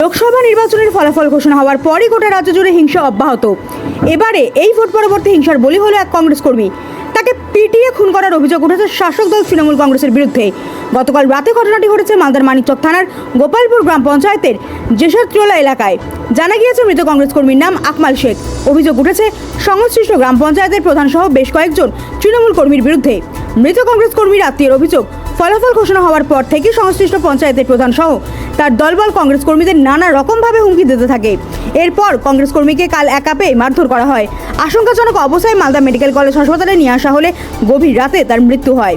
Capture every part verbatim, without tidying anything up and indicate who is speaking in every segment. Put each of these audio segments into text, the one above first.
Speaker 1: লোকসভা নির্বাচনের ফলাফল ঘোষণা হওয়ার পরই গোটা রাজ্য জুড়ে হিংসা অব্যাহত। এবারে এই ভোট পরবর্তী হিংসার বলি হলো এক কংগ্রেস কর্মী। তাকে পিটিয়ে খুন করার অভিযোগ উঠেছে শাসক দল তৃণমূল কংগ্রেসের বিরুদ্ধে। গতকাল রাতে ঘটনাটি ঘটেছে মালদার মানিকচক থানার গোপালপুর গ্রাম পঞ্চায়েতের জেসরত্রোলা এলাকায়। জানা গিয়েছে মৃত কংগ্রেস কর্মীর নাম আকমাল শেখ। অভিযোগ উঠেছে সংশ্লিষ্ট গ্রাম পঞ্চায়েতের প্রধান সহ বেশ কয়েকজন তৃণমূল কর্মীর বিরুদ্ধে। মৃত কংগ্রেস কর্মীর আত্মীয়ের অভিযোগ, ফলাফল ঘোষণা হওয়ার পর থেকে সংশ্লিষ্ট পঞ্চায়েতের প্রধান সহ তার দলবল কংগ্রেস কর্মীদের নানা রকমভাবে হুমকি দিতে থাকে। এরপর কংগ্রেস কর্মীকে কাল একা পেয়ে মারধর করা হয়। আশঙ্কাজনক অবস্থায় মালদা মেডিকেল কলেজ হাসপাতালে নিয়ে আসা হলে গভীর রাতে তার মৃত্যু হয়।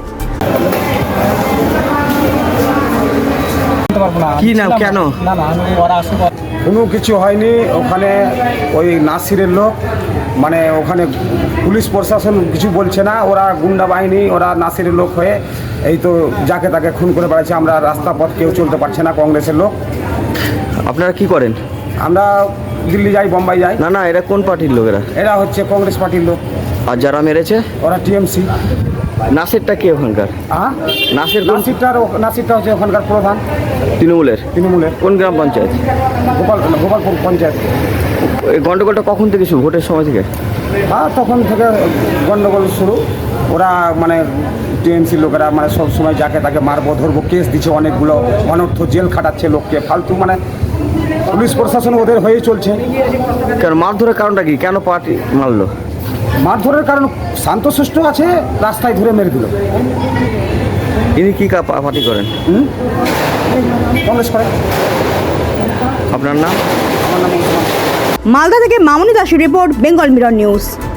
Speaker 2: কি নাম, কেন?
Speaker 3: কোনো কিছু হয়নি। ওখানে ওই নাসিরের লোক, মানে ওখানে পুলিশ প্রশাসন কিছু বলছে না। ওরা গুন্ডা বাহিনী, ওরা নাসিরের লোক হয়ে এই তো যাকে তাকে খুন করে বেড়াচ্ছে। আমরা রাস্তা পথ কেউ চলতে পারছে না। কংগ্রেসের লোক।
Speaker 2: আপনারা কি করেন?
Speaker 3: আমরা দিল্লি যাই, বোম্বাই যাই।
Speaker 2: না না, এরা কোন পার্টির লোকেরা?
Speaker 3: এরা হচ্ছে কংগ্রেস পার্টির লোক।
Speaker 2: আর যারা মেরেছে
Speaker 3: ওরা টিএমসি।
Speaker 2: নাসিরটা কে ওখানকার?
Speaker 3: হ্যাঁ,
Speaker 2: নাসির কোন?
Speaker 3: নাসিরটার নাসিরটা হচ্ছে ওখানকার প্রধান
Speaker 2: তৃণমূলের।
Speaker 3: তৃণমূলের
Speaker 2: কোন গ্রাম পঞ্চায়েত?
Speaker 3: গোপাল গোপালপুর পঞ্চায়েত।
Speaker 2: এই গন্ডগোলটা কখন থেকে শুরু? ভোটের সময় থেকে?
Speaker 3: হ্যাঁ, তখন থেকে গন্ডগোল শুরু। ওরা মানে টিএমসি লোকেরা মানে সব সময় যাকে তাকে মারবো ধরবো কেস দিচ্ছে, অনেকগুলো অনর্থ জেল খাটাচ্ছে লোককে ফালতু। মানে পুলিশ প্রশাসন ওদের হয়েই চলছে।
Speaker 2: কেন মারধরের কারণটা কি? কেন পার্টি মারলো?
Speaker 3: মারধরের কারণ শান্তশিষ্ট আছে, রাস্তায় ধরে মেরে দিল।
Speaker 2: ইনি কি পার্টি করেন?
Speaker 3: হুম, কংগ্রেস করে।
Speaker 2: আপনার নাম?
Speaker 3: আমার নাম
Speaker 1: মালদা থেকে মামুনি দাসের রিপোর্ট, বেঙ্গল মিরর নিউজ।